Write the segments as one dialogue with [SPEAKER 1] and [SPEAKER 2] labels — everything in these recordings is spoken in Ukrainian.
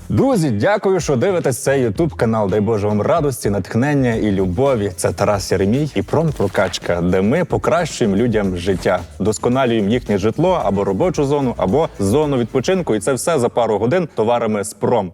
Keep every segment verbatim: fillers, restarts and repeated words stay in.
[SPEAKER 1] Друзі, дякую, що дивитесь цей ютуб канал. Дай Боже вам радості, натхнення і любові. Це Тарас Єремій і Промпрокачка, де ми покращуємо людям життя, досконалюємо їхнє житло або робочу зону, або зону відпочинку. І це все за пару годин товарами з Пром.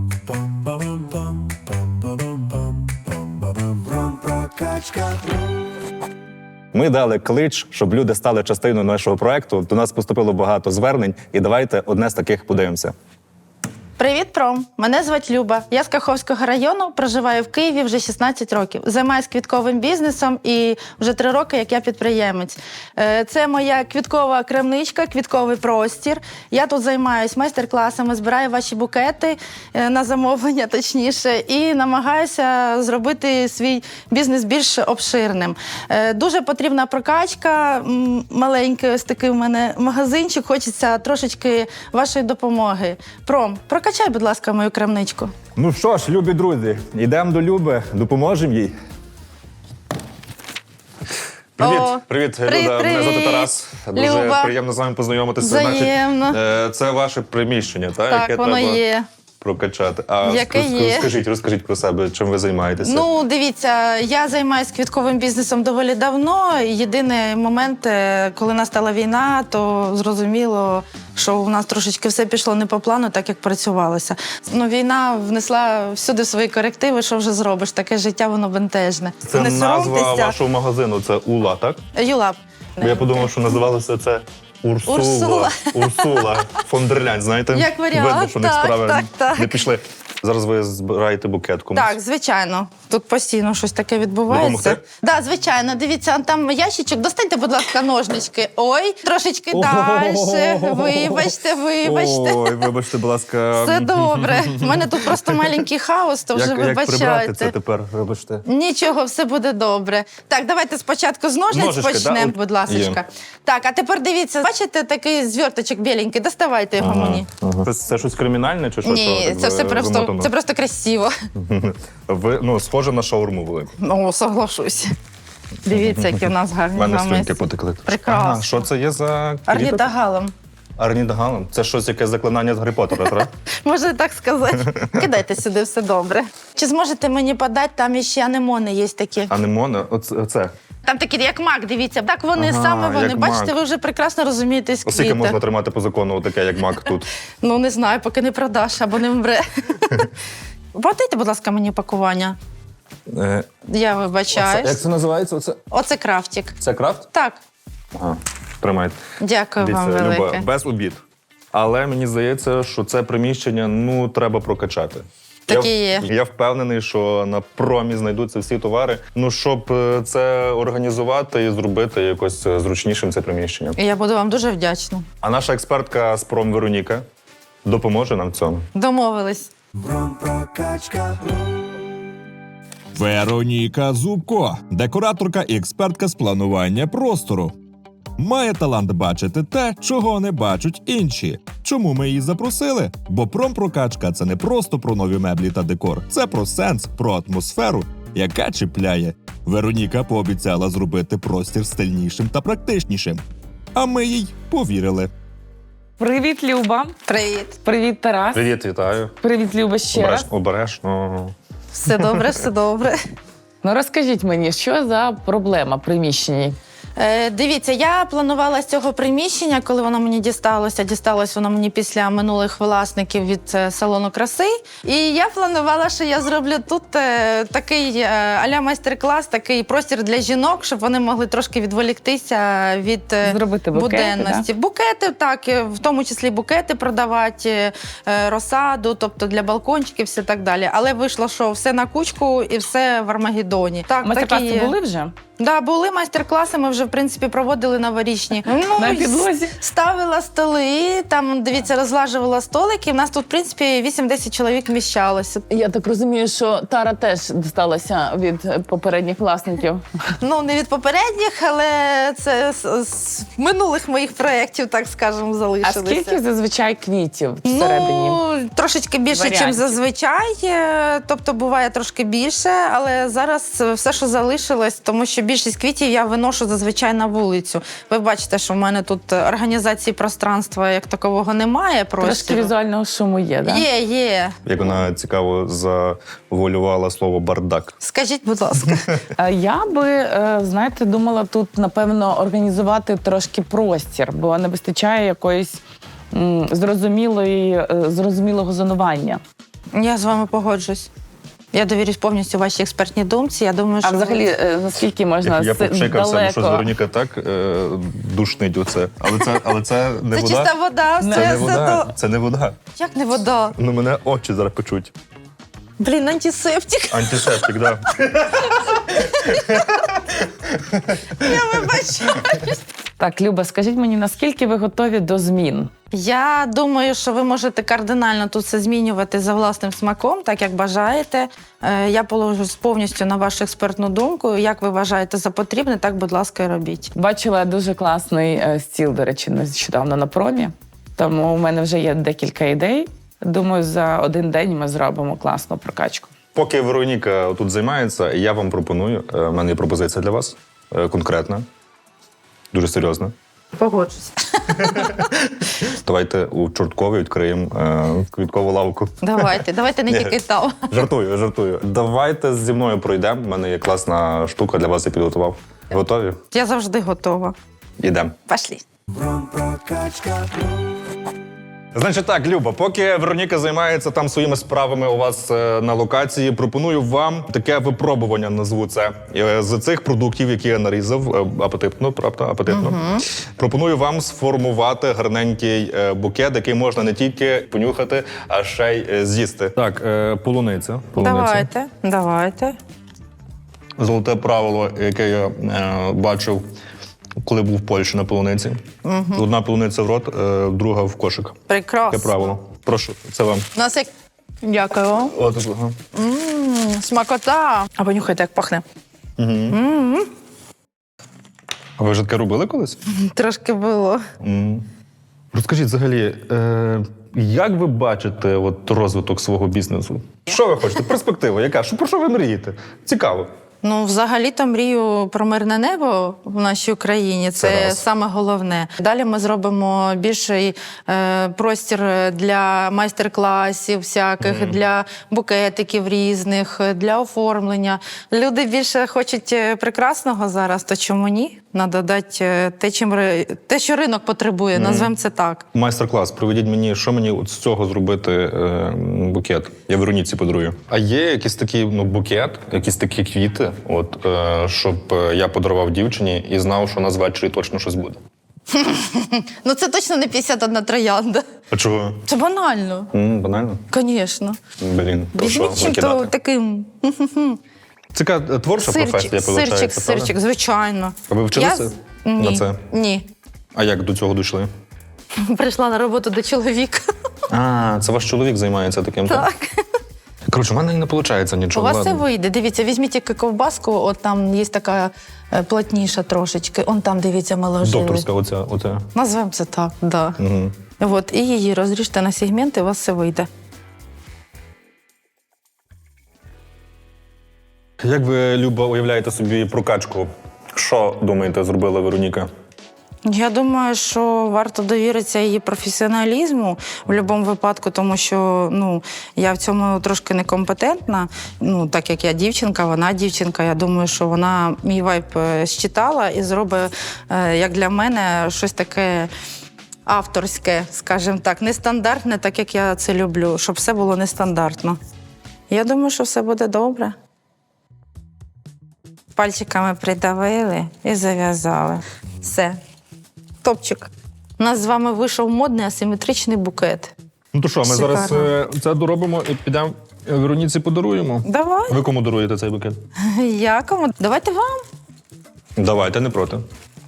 [SPEAKER 1] Ми дали клич, щоб люди стали частиною нашого проекту. До нас поступило багато звернень, і давайте одне з таких подивимося.
[SPEAKER 2] Привіт, Пром! Мене звуть Люба. Я з Каховського району, проживаю в Києві вже шістнадцять років. Займаюся квітковим бізнесом і вже три роки, як я підприємець. Це моя квіткова крамничка, квітковий простір. Я тут займаюся майстер-класами, збираю ваші букети на замовлення, точніше, і намагаюся зробити свій бізнес більш обширним. Дуже потрібна прокачка, маленький ось такий у мене магазинчик, хочеться трошечки вашої допомоги. Пром, прокачай, будь ласка, мою крамничку.
[SPEAKER 1] Ну що ж, любі друзі, йдемо до Люби, допоможемо їй.
[SPEAKER 3] Привіт,
[SPEAKER 2] О,
[SPEAKER 3] привіт,
[SPEAKER 2] привіт,
[SPEAKER 3] Люда. Мене звати
[SPEAKER 2] привіт.
[SPEAKER 3] Тарас. Дуже
[SPEAKER 2] Люба.
[SPEAKER 3] приємно з вами познайомитися.
[SPEAKER 2] Взаємно.
[SPEAKER 3] Значить, е, це ваше приміщення, так?
[SPEAKER 2] Так,
[SPEAKER 3] яке
[SPEAKER 2] воно
[SPEAKER 3] треба
[SPEAKER 2] є.
[SPEAKER 3] прокачати. А
[SPEAKER 2] Яке
[SPEAKER 3] ск-
[SPEAKER 2] є.
[SPEAKER 3] Розкажіть, розкажіть про себе, чим ви займаєтеся.
[SPEAKER 2] Ну, дивіться, я займаюся квітковим бізнесом доволі давно. Єдиний момент, е, коли настала війна, то зрозуміло, що у нас трошечки все пішло не по плану, так як працювалося. Ну, війна внесла всюди свої корективи, що вже зробиш, таке життя, воно бентежне.
[SPEAKER 3] Це
[SPEAKER 2] не
[SPEAKER 3] назва
[SPEAKER 2] соромтеся.
[SPEAKER 3] вашого магазину, це Ула, так?
[SPEAKER 2] Юлап.
[SPEAKER 3] Бо я подумав, що називалося це Урсула.
[SPEAKER 2] Урсула.
[SPEAKER 3] Урсула фон дер Ляйн, знаєте?
[SPEAKER 2] Як варіант,
[SPEAKER 3] Видно, що в них
[SPEAKER 2] так,
[SPEAKER 3] справи
[SPEAKER 2] так, так.
[SPEAKER 3] не пішли. Зараз ви збираєте букет комусь.
[SPEAKER 2] Так, звичайно. Тут постійно щось таке відбувається.
[SPEAKER 3] Допомогти?
[SPEAKER 2] Так, звичайно. Дивіться, там ящичок. Достаньте, будь ласка, ножнички. Ой, трошечки далі. Вибачте, вибачте.
[SPEAKER 3] Ой, вибачте, будь ласка.
[SPEAKER 2] Все добре. У мене тут просто маленький хаос, то вже
[SPEAKER 3] Як, як прибрати це
[SPEAKER 2] вибачайте.
[SPEAKER 3] тепер, вибачте?
[SPEAKER 2] Нічого, все буде добре. Так, давайте спочатку з ножниць
[SPEAKER 3] Ножички,
[SPEAKER 2] почнемо,
[SPEAKER 3] да?
[SPEAKER 2] будь ласочка. Так, а тепер дивіться, бачите такий зверточок біленький? Доставайте його мені.
[SPEAKER 3] Це, це щось кримінальне чи що?
[SPEAKER 2] Ні,
[SPEAKER 3] що так
[SPEAKER 2] це все
[SPEAKER 3] ви-
[SPEAKER 2] просто,
[SPEAKER 3] замотано?
[SPEAKER 2] це просто красиво.
[SPEAKER 3] Ви, ну, схоже на шаурму велику.
[SPEAKER 2] О, соглашусь. Дивіться, які в нас
[SPEAKER 3] У
[SPEAKER 2] гарні
[SPEAKER 3] мене
[SPEAKER 2] з вами.
[SPEAKER 3] слюнки потекли.
[SPEAKER 2] Прекрасно.
[SPEAKER 3] Ага, що це є за квіток?
[SPEAKER 2] Орнітогалом.
[SPEAKER 3] Орнітогалом? Це щось, яке заклинання з Гаррі Поттера, так?
[SPEAKER 2] Можна так сказати. Кидайте сюди, все добре. Чи зможете мені подати, там ще анемони є такі.
[SPEAKER 3] Анемони? Оце, оце.
[SPEAKER 2] Там такі, як мак, дивіться. Так вони,
[SPEAKER 3] Ага,
[SPEAKER 2] саме вони.
[SPEAKER 3] як
[SPEAKER 2] Бачите,
[SPEAKER 3] мак.
[SPEAKER 2] ви вже прекрасно розумієтесь
[SPEAKER 3] Оскільки
[SPEAKER 2] квіти.
[SPEAKER 3] можна тримати по закону таке, як мак тут?
[SPEAKER 2] Ну, не знаю, поки не продаш або не вмре. Подайте, будь ласка, мені пакування.
[SPEAKER 1] Е,
[SPEAKER 2] Я
[SPEAKER 1] оце,
[SPEAKER 2] вибачаюсь.
[SPEAKER 1] як це називається? Оце,
[SPEAKER 2] Оце крафтик.
[SPEAKER 1] це крафт?
[SPEAKER 2] Так,
[SPEAKER 3] Ага, тримайте.
[SPEAKER 2] дякую вам
[SPEAKER 3] Дивіться, Люба,
[SPEAKER 2] велике.
[SPEAKER 3] без обід. Але мені здається, що це приміщення, ну, треба прокачати.
[SPEAKER 2] Так
[SPEAKER 3] я,
[SPEAKER 2] і є.
[SPEAKER 3] Я впевнений, що на промі знайдуться всі товари. Ну, щоб е, це організувати і зробити якось е, зручнішим це приміщення.
[SPEAKER 2] І я буду вам дуже вдячна.
[SPEAKER 3] А наша експертка з пром Вероніка допоможе нам в цьому.
[SPEAKER 2] Домовились.
[SPEAKER 4] Вероніка Зубко, декораторка і експертка з планування простору. Має талант бачити те, чого не бачать інші. Чому ми її запросили? Бо промпрокачка – це не просто про нові меблі та декор. Це про сенс, про атмосферу, яка чіпляє. Вероніка пообіцяла зробити простір стильнішим та практичнішим. А ми їй повірили.
[SPEAKER 5] Привіт, Люба.
[SPEAKER 2] Привіт.
[SPEAKER 5] Привіт, Тарас.
[SPEAKER 3] Привіт, вітаю.
[SPEAKER 5] Привіт, Люба, ще
[SPEAKER 3] Обереш,
[SPEAKER 5] раз.
[SPEAKER 3] обережно.
[SPEAKER 2] Все добре, все добре.
[SPEAKER 5] Ну розкажіть мені, що за проблема в приміщенні?
[SPEAKER 2] Е, дивіться, я планувала з цього приміщення, коли воно мені дісталося, дісталось воно мені після минулих власників від е, салону краси. І я планувала, що я зроблю тут е, такий е, а-ля майстер-клас, такий простір для жінок, щоб вони могли трошки відволіктися від е,
[SPEAKER 5] Зробити букети,
[SPEAKER 2] буденності. Букети, так, е, в тому числі букети продавати, е, розсаду, тобто для балкончиків, все так далі. Але вийшло, що все на кучку і все в Армагеддоні. Так,
[SPEAKER 5] Майстер-класи
[SPEAKER 2] такі є.
[SPEAKER 5] були вже?
[SPEAKER 2] Да, були майстер-класи, ми вже, в принципі, проводили новорічні. Ну,
[SPEAKER 5] На
[SPEAKER 2] і
[SPEAKER 5] підлозі?
[SPEAKER 2] ставила столи, там, дивіться, розлажувала столики. У нас тут, в принципі, вісім-десять чоловік вміщалося.
[SPEAKER 5] Я так розумію, що Тара теж дісталася від попередніх власників.
[SPEAKER 2] Ну, не від попередніх, але це з, з минулих моїх проєктів, так скажемо,
[SPEAKER 5] А
[SPEAKER 2] залишилися.
[SPEAKER 5] скільки зазвичай квітів всередині?
[SPEAKER 2] Ну, трошечки більше,
[SPEAKER 5] Варіантів.
[SPEAKER 2] ніж зазвичай. Е, Тобто буває трошки більше, але зараз все, що залишилось, тому що більшість квітів я виношу зазвичай на вулицю. Ви бачите, що в мене тут організації пространства як такового немає.
[SPEAKER 5] Трошки
[SPEAKER 2] Простору.
[SPEAKER 5] візуального шуму є, да?
[SPEAKER 2] Є, є.
[SPEAKER 3] Як вона цікаво завуалювала слово бардак.
[SPEAKER 2] Скажіть, будь ласка.
[SPEAKER 5] Е, Я би, е, знаєте, думала тут, напевно, організувати трошки простір, бо не вистачає якоїсь м, зрозумілої, е, зрозумілого зонування.
[SPEAKER 2] Я з вами погоджусь. Я довірюсь повністю вашій експертній думці. Я думаю, що
[SPEAKER 5] А взагалі, е, наскільки можна
[SPEAKER 3] Як я
[SPEAKER 5] с-
[SPEAKER 3] попшикався, ну що з
[SPEAKER 5] далеко?
[SPEAKER 3] Вероніка так е, душнить оце. Але це, але це не
[SPEAKER 2] це
[SPEAKER 3] вода.
[SPEAKER 2] чиста вода,
[SPEAKER 3] Це
[SPEAKER 2] все,
[SPEAKER 3] не
[SPEAKER 2] все
[SPEAKER 3] вода.
[SPEAKER 2] до...
[SPEAKER 3] Це не вода.
[SPEAKER 2] Як не вода?
[SPEAKER 3] Ну мене очі зараз печуть.
[SPEAKER 2] Блін, антисептик.
[SPEAKER 3] Антисептик, да.
[SPEAKER 2] Я вибачаю.
[SPEAKER 5] Так, Люба, скажіть мені, наскільки ви готові до змін?
[SPEAKER 2] Я думаю, що ви можете кардинально тут все змінювати за власним смаком, так як бажаєте. Е, Я положусь повністю на вашу експертну думку. Як ви вважаєте за потрібне, так, будь ласка, і робіть.
[SPEAKER 5] Бачила дуже класний е, стіл, до речі, нещодавно на промі. Тому у мене вже є декілька ідей. Думаю, за один день ми зробимо класну прокачку.
[SPEAKER 3] Поки Вероніка тут займається, я вам пропоную. е, У мене є пропозиція для вас. е, Конкретна. Дуже серйозна.
[SPEAKER 2] Погоджусь.
[SPEAKER 3] Давайте у Чорткові відкриємо е, квіткову лавку.
[SPEAKER 2] Давайте, давайте не
[SPEAKER 3] Ні.
[SPEAKER 2] тільки там.
[SPEAKER 3] Жартую, жартую. Давайте зі мною пройдемо. У мене є класна штука для вас, я підготував. Готові?
[SPEAKER 2] Я завжди готова.
[SPEAKER 3] Ідемо.
[SPEAKER 2] Пошли.
[SPEAKER 3] Значить так, Люба, поки Вероніка займається там своїми справами у вас е, на локації, пропоную вам таке випробування, назву це. Е, З цих продуктів, які я нарізав, е, апетитно, правда, апетитно. Пропоную вам сформувати гарненький е, букет, який можна не тільки понюхати, а ще й е, з'їсти. Так, е, полуниця. полуниця.
[SPEAKER 2] Давайте, давайте.
[SPEAKER 3] Золоте правило, яке я е, бачив, коли був в Польщі на полуниці. Одна полуниця в рот, е, друга в кошик.
[SPEAKER 2] Прекрасно.
[SPEAKER 3] Таке правило. Прошу, це вам.
[SPEAKER 2] У нас як... Дякую.
[SPEAKER 3] От, ага.
[SPEAKER 2] М, Смакота. А понюхайте, як пахне.
[SPEAKER 3] А ви вже таке робили колись?
[SPEAKER 2] Трошки було.
[SPEAKER 3] М. Розкажіть взагалі, е, як ви бачите от, розвиток свого бізнесу? Що ви хочете? Перспектива, яка? Що, про що ви мрієте? Цікаво.
[SPEAKER 2] Ну, взагалі-то мрію про мирне небо в нашій Україні. Це,
[SPEAKER 3] Це раз.
[SPEAKER 2] саме головне. Далі ми зробимо більший е, простір для майстер-класів всяких, для букетиків різних, для оформлення. Люди більше хочуть е, прекрасного зараз, то чому ні? Надо дати е, те, чим, ри- те, що ринок потребує, назвемо це так.
[SPEAKER 3] Майстер-клас, проведіть мені, що мені от з цього зробити е, букет. Я Вероніці подарую. А є якийсь такий ну, букет, якісь такі квіти, от, е, щоб е, я подарував дівчині і знав, що у нас ввечері точно щось буде.
[SPEAKER 2] Ну, це точно не п'ятдесят одна троянда.
[SPEAKER 3] А чого?
[SPEAKER 2] Це банально.
[SPEAKER 3] М, банально?
[SPEAKER 2] Звісно.
[SPEAKER 3] Блін, про що
[SPEAKER 2] Візьміть чим-то
[SPEAKER 3] викидати?
[SPEAKER 2] таким.
[SPEAKER 3] Це е, творча професія,
[SPEAKER 2] Сирчик,
[SPEAKER 3] виходить,
[SPEAKER 2] сирчик,
[SPEAKER 3] правда?
[SPEAKER 2] сирчик, звичайно.
[SPEAKER 3] А ви вчилися
[SPEAKER 2] Я з-
[SPEAKER 3] на
[SPEAKER 2] Ні,
[SPEAKER 3] це?
[SPEAKER 2] Ні.
[SPEAKER 3] А як до цього дійшли?
[SPEAKER 2] Прийшла на роботу до чоловіка.
[SPEAKER 3] А, це ваш чоловік займається таким?
[SPEAKER 2] Так.
[SPEAKER 3] Коротше, в мене не виходить
[SPEAKER 2] У
[SPEAKER 3] нічого.
[SPEAKER 2] вас все
[SPEAKER 3] ладно.
[SPEAKER 2] вийде. Дивіться, візьміть тільки ковбаску, от там є така е, плотніша трошечки. Он там, дивіться, ми ложили.
[SPEAKER 3] Докторська оця. оця.
[SPEAKER 2] Назвемо це так, да.
[SPEAKER 3] Угу.
[SPEAKER 2] От, і її розріжте на сегменти, у вас все вийде.
[SPEAKER 3] Як ви, Люба, уявляєте собі прокачку? Що, думаєте, зробила Вероніка?
[SPEAKER 2] Я думаю, що варто довіритися її професіоналізму в будь-якому випадку, тому що ну, я в цьому трошки некомпетентна. Ну, так як я дівчинка, вона дівчинка. Я думаю, що вона мій вайб е, считала і зробить, е, як для мене, щось таке авторське, скажімо так, нестандартне, так як я це люблю, щоб все було нестандартно. Я думаю, що все буде добре. Пальчиками придавили і зав'язали. Все. Топчик. У нас з вами вийшов модний асиметричний букет.
[SPEAKER 3] Ну то що, ми
[SPEAKER 2] Шикарно.
[SPEAKER 3] зараз е, це доробимо і підемо Вероніці подаруємо.
[SPEAKER 2] Давай.
[SPEAKER 3] Ви кому даруєте цей букет?
[SPEAKER 2] Я кому? Давайте вам.
[SPEAKER 3] Давайте, не проти.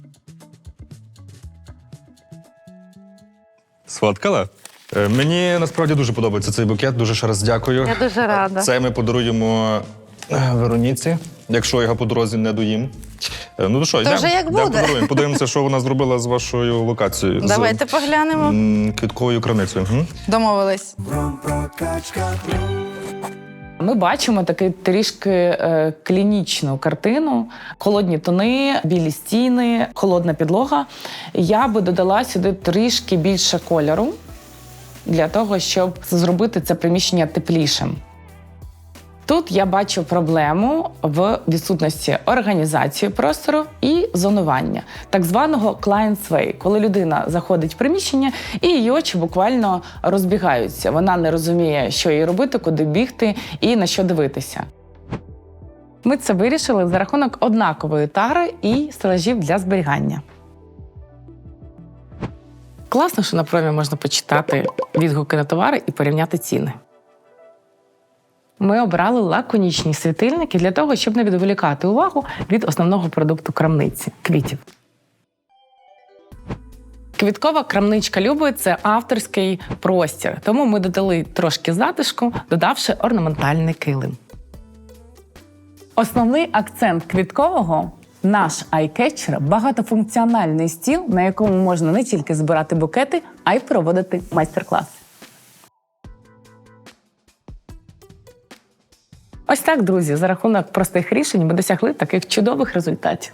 [SPEAKER 3] Сфоткала? Е, Мені насправді дуже подобається цей букет. Дуже ще раз дякую.
[SPEAKER 2] Я дуже рада.
[SPEAKER 3] Це ми подаруємо е, Вероніці, якщо його по дорозі не доїм. Е, Ну то що, йдемо?
[SPEAKER 2] вже як
[SPEAKER 3] Йдемо
[SPEAKER 2] буде.
[SPEAKER 3] подаруємо. Подивимося, що вона зробила з вашою локацією.
[SPEAKER 2] Давайте
[SPEAKER 3] з
[SPEAKER 2] поглянемо.
[SPEAKER 3] м, квітковою краницею. М?
[SPEAKER 2] Домовились.
[SPEAKER 5] Ми бачимо таку трішки е, клінічну картину. Холодні тони, білі стіни, холодна підлога. Я би додала сюди трішки більше кольору для того, щоб зробити це приміщення теплішим. Тут я бачу проблему в відсутності організації простору і зонування, так званого client's way, коли людина заходить в приміщення і її очі буквально розбігаються. Вона не розуміє, що їй робити, куди бігти і на що дивитися. Ми це вирішили за рахунок однакової тари і стелажів для зберігання. Класно, що на промі можна почитати відгуки на товари і порівняти ціни. Ми обрали лаконічні світильники для того, щоб не відволікати увагу від основного продукту крамниці – квітів. Квіткова крамничка Люби – це авторський простір, тому ми додали трошки затишку, додавши орнаментальний килим. Основний акцент квіткового – наш айкетчер – багатофункціональний стіл, на якому можна не тільки збирати букети, а й проводити майстер-класи. Ось так, друзі, за рахунок простих рішень ми досягли таких чудових результатів.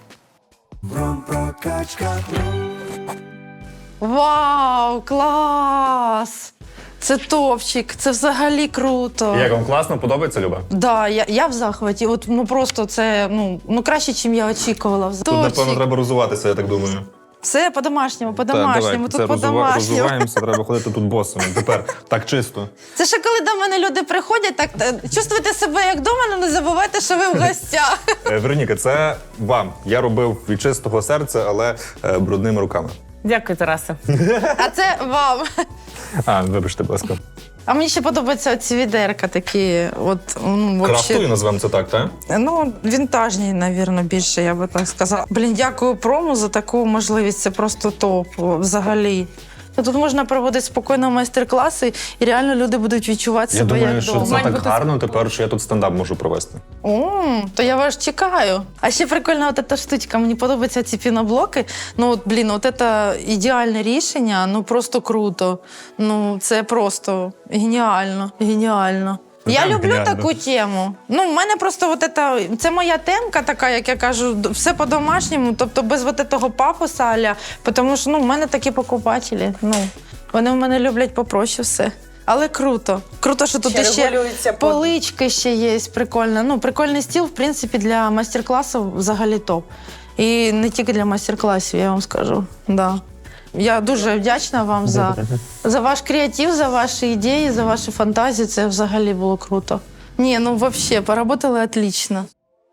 [SPEAKER 2] Вау, клас! Це топчик, це взагалі круто.
[SPEAKER 3] Як вам класно, подобається, Люба?
[SPEAKER 2] Да, я, я в захваті. От, ну просто це ну, ну краще, ніж я очікувала.
[SPEAKER 3] Тут, напевно, треба розуватися, я так думаю.
[SPEAKER 2] Все по-домашньому, по-домашньому, тут по-домашньому.
[SPEAKER 3] Розуваємося, треба ходити тут босими. Тепер так чисто.
[SPEAKER 2] Це ще коли до мене люди приходять, так е, чувствуйте себе як вдома, але не забувайте, що ви в гостях.
[SPEAKER 3] Е, Вероніка, це вам. Я робив від чистого серця, але е, брудними руками.
[SPEAKER 5] Дякую, Тарасе.
[SPEAKER 2] А це вам.
[SPEAKER 3] А, вибачте, будь ласка.
[SPEAKER 2] А мені ще подобаються ці відерка такі, от, ну,
[SPEAKER 3] Крафтові
[SPEAKER 2] вообще,
[SPEAKER 3] назвемо це так, так?
[SPEAKER 2] ну, вінтажні, навірно, більше, я би так сказала. Блін, дякую прому за таку можливість, це просто топ, взагалі. Тут можна проводити спокійно майстер-класи, і реально люди будуть відчувати
[SPEAKER 3] Я
[SPEAKER 2] себе
[SPEAKER 3] думаю,
[SPEAKER 2] як
[SPEAKER 3] що
[SPEAKER 2] вдома.
[SPEAKER 3] це так гарно тепер, що я тут стендап можу провести.
[SPEAKER 2] О, то я вас чекаю. А ще прикольна от ця штучка. Мені подобаються ці піноблоки. Ну, от, блін, от це ідеальне рішення, ну просто круто. Ну, це просто геніально, геніально. Я
[SPEAKER 3] Прям
[SPEAKER 2] люблю
[SPEAKER 3] геніально.
[SPEAKER 2] таку тему. Ну, в мене просто от це, це моя темка така, як я кажу, все по-домашньому, тобто без от того пафоса аля, тому що ну, в мене такі покупателі. Ну, вони в мене люблять попроще все. Але круто. Круто, що тут
[SPEAKER 5] Ще
[SPEAKER 2] ще
[SPEAKER 5] регулюється под-
[SPEAKER 2] полички ще є, прикольно. Ну, прикольний стіл, в принципі, для майстер-класів взагалі топ. І не тільки для майстер-класів, я вам скажу. Да. Я дуже вдячна вам за, за ваш креатив, за ваші ідеї, за ваші фантазії. Це взагалі було круто. Ні, ну взагалі, поработали отлично.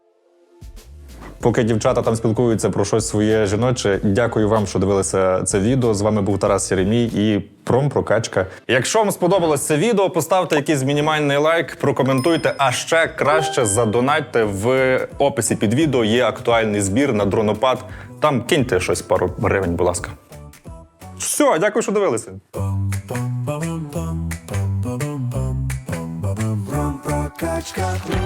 [SPEAKER 3] Поки дівчата там спілкуються про щось своє жіноче, дякую вам, що дивилися це відео. З вами був Тарас Єремій і Промпрокачка. Якщо вам сподобалось це відео, поставте якийсь мінімальний лайк, прокоментуйте, а ще краще задонатьте. В описі під відео є актуальний збір на дронопад. Там киньте щось пару гривень, будь ласка. Все, дякую, що дивилися.
[SPEAKER 6] Прокачка.